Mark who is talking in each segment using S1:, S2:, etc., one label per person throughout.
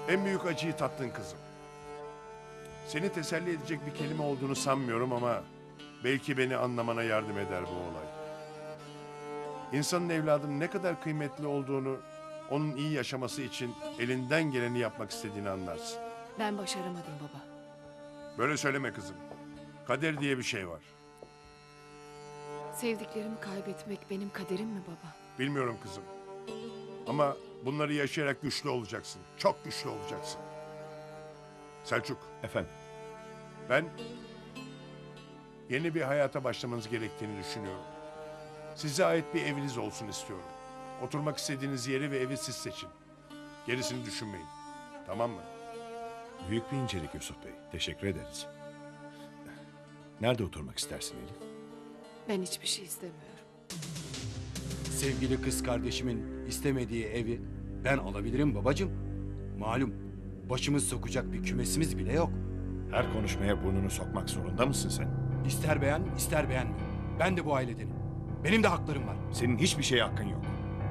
S1: En büyük acıyı tattın kızım. Seni teselli edecek bir kelime olduğunu sanmıyorum ama belki beni anlamana yardım eder bu olay. İnsanın evladının ne kadar kıymetli olduğunu, onun iyi yaşaması için elinden geleni yapmak istediğini anlarsın.
S2: Ben başaramadım baba.
S1: Böyle söyleme kızım. Kader diye bir şey var.
S2: Sevdiklerimi kaybetmek benim kaderim mi baba?
S1: Bilmiyorum kızım. Ama bunları yaşayarak güçlü olacaksın. Çok güçlü olacaksın. Selçuk,
S3: Efendim,
S1: ben yeni bir hayata başlamanız gerektiğini düşünüyorum. Size ait bir eviniz olsun istiyorum. Oturmak istediğiniz yeri ve evi siz seçin. Gerisini düşünmeyin. Tamam mı?
S3: büyük bir incelik Yusuf Bey. Teşekkür ederiz. Nerede oturmak istersin Elif?
S2: Ben hiçbir şey istemiyorum.
S4: Sevgili kız kardeşimin istemediği evi ben alabilirim babacığım. Malum başımız sokacak bir kümesimiz bile yok.
S3: Her konuşmaya burnunu sokmak zorunda mısın sen?
S4: İster beğen ister beğenme. Ben de bu ailedenim. Benim de haklarım var.
S3: Senin hiçbir şeye hakkın yok.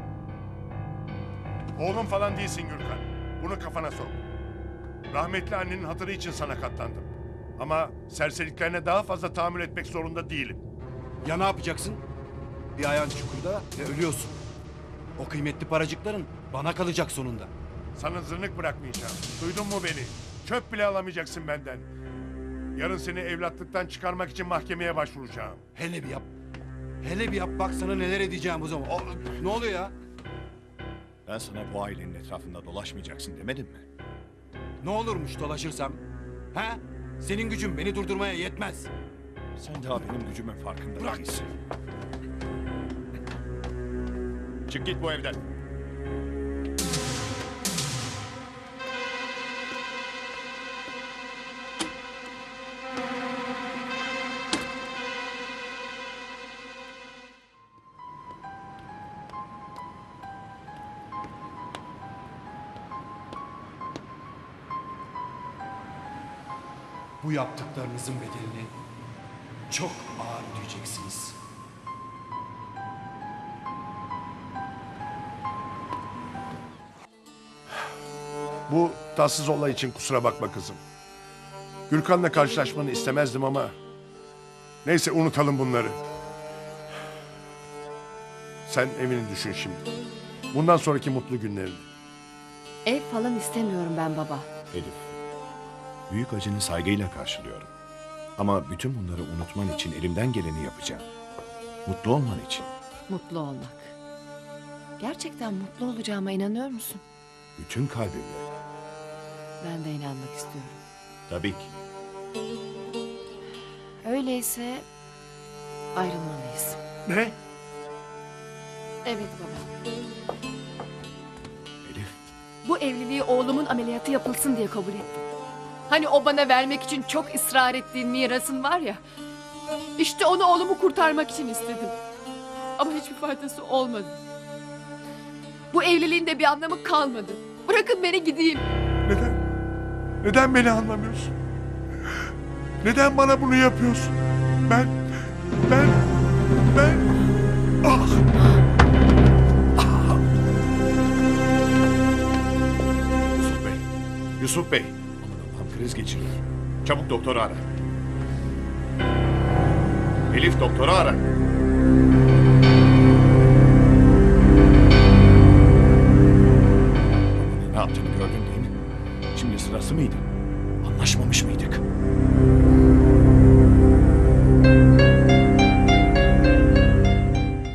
S1: Oğlum falan değilsin Gürkan. Bunu kafana sok. Rahmetli annenin hatırı için sana katlandım. Ama serseriliklerine daha fazla tahammül etmek zorunda değilim.
S4: Ya ne yapacaksın? Bir ayağın çukurda ve ölüyorsun. O kıymetli paracıkların bana kalacak sonunda.
S1: Sana zırnık bırakmayacağım. Duydun mu beni? Çöp bile alamayacaksın benden. Yarın seni evlatlıktan çıkarmak için mahkemeye başvuracağım.
S4: Hele bir yap. Hele bir yap bak sana neler edeceğim o zaman. Ne oluyor ya?
S3: Ben sana bu ailenin etrafında dolaşmayacaksın demedim mi?
S4: Ne olurmuş dolaşırsam? Ha? Senin gücün beni durdurmaya yetmez.
S3: Sen daha benim gücümün farkında
S4: Bırak.
S3: değilsin. Çık git bu evden.
S4: Bu yaptıklarınızın bedelini çok ağır ödeyeceksiniz.
S1: Bu tatsız olay için kusura bakma kızım. Gürkan'la karşılaşmanı istemezdim ama... Neyse unutalım bunları. Sen evini düşün şimdi. Bundan sonraki mutlu günlerini.
S2: Ev falan istemiyorum ben baba.
S3: Elif, büyük acını saygıyla karşılıyorum. Ama bütün bunları unutman için elimden geleni yapacağım. Mutlu olman için.
S2: Mutlu olmak. Gerçekten mutlu olacağıma inanıyor musun?
S3: Bütün kalbimle.
S2: Ben de inanmak istiyorum.
S3: Tabii ki.
S2: Öyleyse ayrılmalıyız.
S1: Ne?
S2: Evet baba.
S3: Elif,
S2: Bu evliliği oğlumun ameliyatı yapılsın diye kabul ettim. Hani o bana vermek için çok ısrar ettiğin mirasın var ya. İşte onu oğlumu kurtarmak için istedim. Ama hiçbir faydası olmadı. Bu evliliğin de bir anlamı kalmadı. Bırakın beni gideyim.
S1: Neden? Neden beni anlamıyorsun? Neden bana bunu yapıyorsun? Ben... Ah!
S3: Yusuf Bey. Yusuf Bey. Aman Allah'ım kriz geçiriyor. Çabuk doktoru ara. Elif doktoru ara. Ne yaptığını gördün değil mi? Şimdi sırası mıydı? Anlaşmamış mıydık?